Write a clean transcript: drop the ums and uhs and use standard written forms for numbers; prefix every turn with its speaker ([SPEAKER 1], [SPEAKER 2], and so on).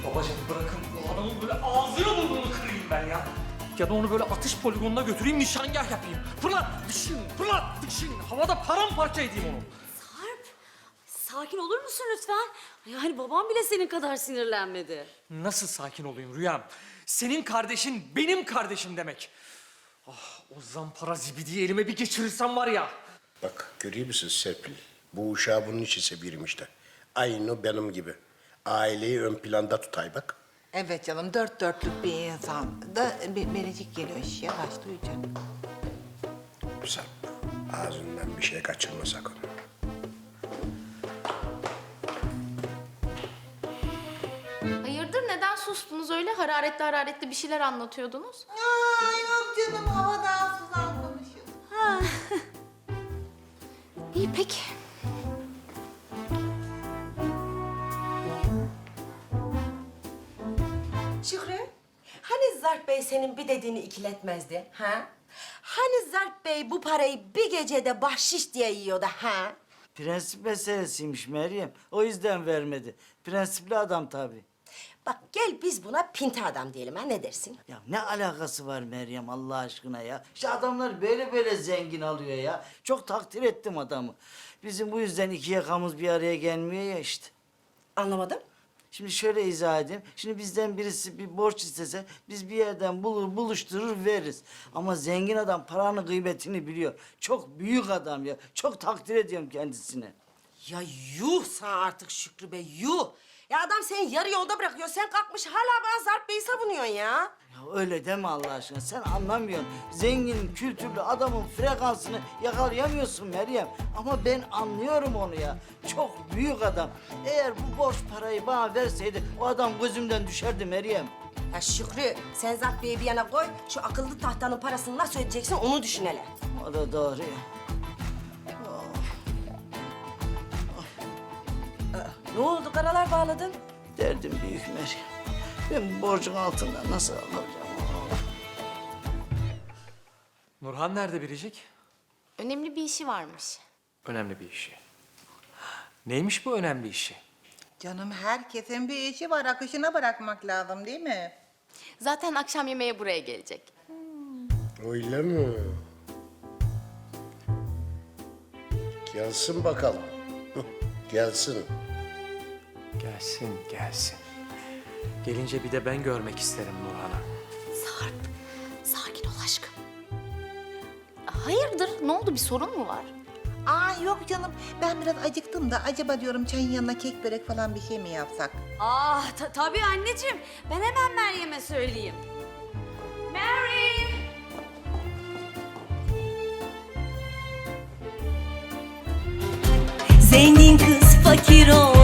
[SPEAKER 1] Babacığım bırakın bu adamın böyle ağzını burnunu kırayım ben ya. Ya da onu böyle atış poligonuna götüreyim, nişangah yapayım. Fırlat, dışın, fırlat, dışın. Havada paramparça edeyim onu.
[SPEAKER 2] Sarp, sakin olur musun lütfen? Yani babam bile senin kadar sinirlenmedi.
[SPEAKER 1] Nasıl sakin olayım Rüyam? Senin kardeşin benim kardeşim demek. Ah, o zampara zibidiyi elime bir geçirirsem var ya.
[SPEAKER 3] Bak görüyor musun Serpil? Bu uşağı bunun için seviyorum işte. Aynı benim gibi. Aileyi ön planda tutay bak.
[SPEAKER 4] Evet canım, dört dörtlük bir insan. Da bir biricik geliyor, yavaş duy canım.
[SPEAKER 3] Sarp, ağzından bir şey kaçırma sakın.
[SPEAKER 5] Hayırdır neden sustunuz öyle? Hararetli hararetli bir şeyler anlatıyordunuz.
[SPEAKER 4] Ay yok canım, havadan sudan konuşuyoruz.
[SPEAKER 5] İyi peki.
[SPEAKER 6] Şükrü, hani Zarp Bey senin bir dediğini ikiletmezdi, ha? Hani Zarp Bey bu parayı bir gecede bahşiş diye yiyordu, ha?
[SPEAKER 7] Prensip meselesiymiş Meryem. O yüzden vermedi. Prensipli adam tabii.
[SPEAKER 6] Bak gel biz buna pinti adam diyelim, ha? Ne dersin?
[SPEAKER 7] Ya ne alakası var Meryem Allah aşkına ya? İşte adamlar böyle zengin alıyor ya. Çok takdir ettim adamı. Bizim bu yüzden iki yakamız bir araya gelmiyor ya işte.
[SPEAKER 6] Anlamadım.
[SPEAKER 7] Şimdi şöyle izah edeyim. Şimdi bizden birisi bir borç istese biz bir yerden buluşturur veririz. Ama zengin adam paranın kıymetini biliyor. Çok büyük adam ya. Çok takdir ediyorum kendisine.
[SPEAKER 6] Ya yuh sana artık Şükrü Bey, yuh! Ya adam seni yarı yolda bırakıyor, sen kalkmış hala bana Zarp Bey'i savunuyorsun ya.
[SPEAKER 7] Ya öyle deme Allah aşkına. Sen anlamıyorsun. Zengin, kültürlü adamın frekansını yakalayamıyorsun Meryem. Ama ben anlıyorum onu ya. Çok büyük adam. Eğer bu borç parayı bana verseydi o adam gözümden düşerdi Meryem.
[SPEAKER 6] Ya Şükrü, sen Zarp Bey'i bir yana koy, şu akıllı tahtanın parasını nasıl ödeyeceksin onu düşün hele.
[SPEAKER 7] O da doğru ya.
[SPEAKER 6] Ne oldu, karalar bağladın?
[SPEAKER 7] Derdim büyük Meryem. Ben bu borcun altından nasıl alacağım?
[SPEAKER 1] Nurhan nerede Biricik?
[SPEAKER 5] Önemli bir işi varmış.
[SPEAKER 1] Önemli bir işi. Neymiş bu önemli işi?
[SPEAKER 4] Canım herkesin bir işi var, akışına bırakmak lazım değil mi?
[SPEAKER 5] Zaten akşam yemeğe buraya gelecek.
[SPEAKER 3] Öyle mi? Gelsin bakalım. Gelsin.
[SPEAKER 1] Gelsin, gelsin. Gelince bir de ben görmek isterim Nurhan'ı.
[SPEAKER 5] Sarp, sakin ol aşkım. Hayırdır? Ne oldu? Bir sorun mu var?
[SPEAKER 4] Aa yok canım, ben biraz acıktım da acaba diyorum çayın yanına kek börek falan bir şey mi yapsak?
[SPEAKER 2] Ah tabii anneciğim. Ben hemen Meryem'e söyleyeyim. Mary!
[SPEAKER 8] Zengin kız fakir ol